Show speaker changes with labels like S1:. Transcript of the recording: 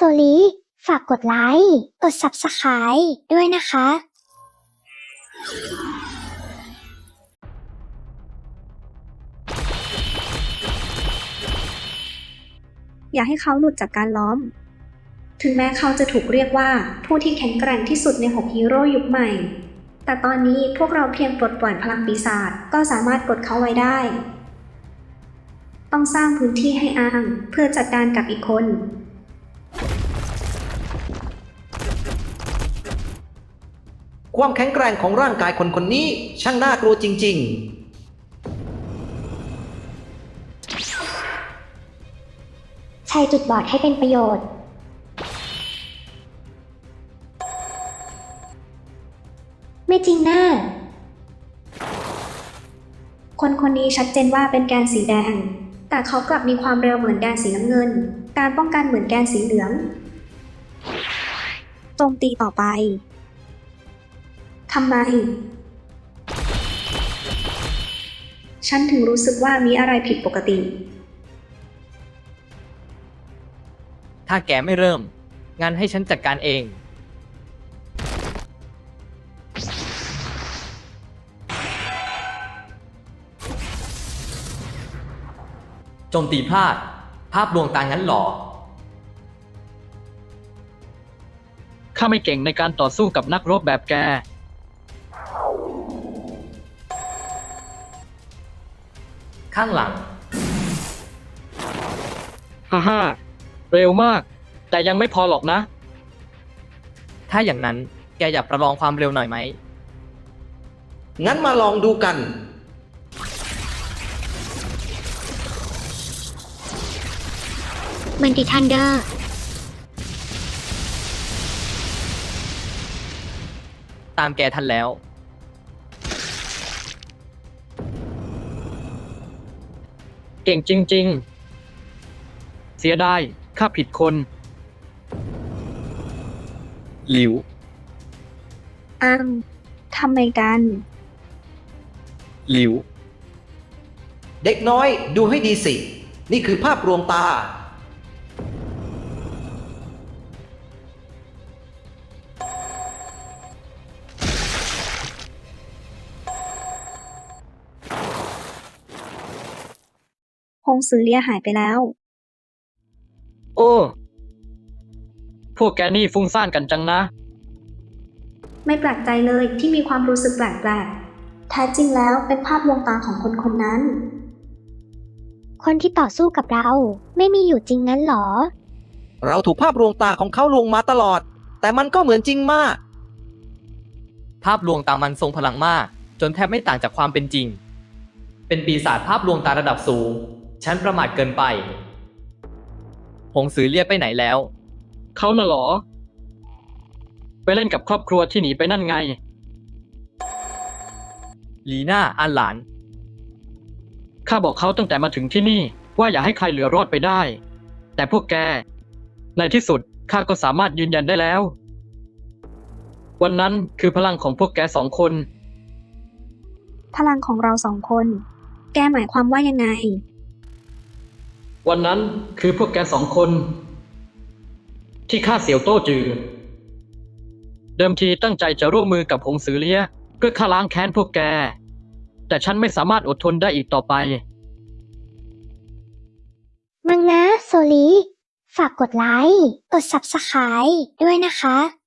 S1: ลีฝากกดไลค์ กด Subscribe ด้วยนะคะ
S2: อย่าให้เขาหลุดจากการล้อม ถึงแม้เขาจะถูกเรียกว่าผู้ที่แข็งแกร่งที่สุดใน6ฮีโร่ยุคใหม่ แต่ตอนนี้พวกเราเพียงปลดปล่อยพลังปีศาจก็สามารถกดเขาไว้ได้ ต้องสร้างพื้นที่ให้อ้างเพื่อจัดการกับอีกคน
S3: ความแข็งแกร่งของร่างกายคนคนนี้ช่างน่ากลัวจริง
S1: ใช้จุดบอดให้เป็นประโยชน์ ไม่จริงนะ
S2: คนคนนี้ชัดเจนว่าเป็นแกนสีแดง แต่เขากลับมีความเร็วเหมือนแกนสีน้ำเงิน การป้องกันเหมือนแกนสีเหลือง โจมตีต่อไป ทำไม ฉันถึงรู้สึกว่ามีอะไรผิดปกติ
S4: ถ้าแกไม่เริ่ม งั้นให้ฉันจัดการเอง โจมตีพลาด ภาพลวงตางั้นหรอ
S5: ข้าไม่เก่งในการต่อสู้กับนักรบแบบแก
S4: ข้างหลัง
S5: ฮ่าฮ่าเร็วมาก แต่ยังไม่พอหรอกนะ
S4: ถ้าอย่างนั้นแกอยากประลองความเร็วหน่อยไหม
S3: ๆ งั้นมาลองดูกัน
S1: มันติทันเดอร์
S4: ตามแกทันแล้ว
S5: เก่งจริง ๆ เสียดายข้าผิดคน
S4: หลิว
S2: อ้างทำไมกัน
S4: หลิว
S3: เด็กน้อยดูให้ดีสิ นี่คือภาพลวงตา
S2: พงศือเลียหายไปแล้ว
S5: โอ้ พวกแกนี่ฟุ้งซ่านกันจังนะ
S2: ไม่แปลกใจเลยที่มีความรู้สึกแปลกๆแท้จริงแล้วเป็นภาพลวงตาของคนคนนั้น
S1: คนที่ต่อสู้กับเรา ไม่มีอยู่จริงงั้นหรอ
S3: เราถูกภาพลวงตาของเขาลวงมาตลอด แต่มันก็เหมือนจริงมาก
S4: ภาพลวงตามันทรงพลังมาก จนแทบไม่ต่างจากความเป็นจริง เป็นปีศาจภาพลวงตาระดับสูง ฉันประมาทเกินไป หงสือเรียกไปไหนแล้ว
S5: เขาน่ะเหรอ ไปเล่นกับครอบครัวที่หนีไปนั่นไง
S4: ลีน่าอันหลาน
S5: ข้าบอกเขาตั้งแต่มาถึงที่นี่ว่าอย่าให้ใครเหลือรอดไปได้ แต่พวกแก ในที่สุดข้าก็สามารถยืนยันได้แล้ว วันนั้นคือพลังของพวกแกสองคน
S2: พลังของเราสองคน แกหมายความว่ายังไง
S5: วันนั้นคือพวกแกสองคน ที่ฆ่าเสี่ยวโต้จือ เดิมทีตั้งใจจะร่วมมือกับหงสือเลี้ยเพื่อฆ่าล้างแค้นพวกแก แต่ฉันไม่สามารถอดทนได้อีกต่อไป
S1: มังนะโซลีฝากกดไลค์ กด Subscribe ด้วยนะคะ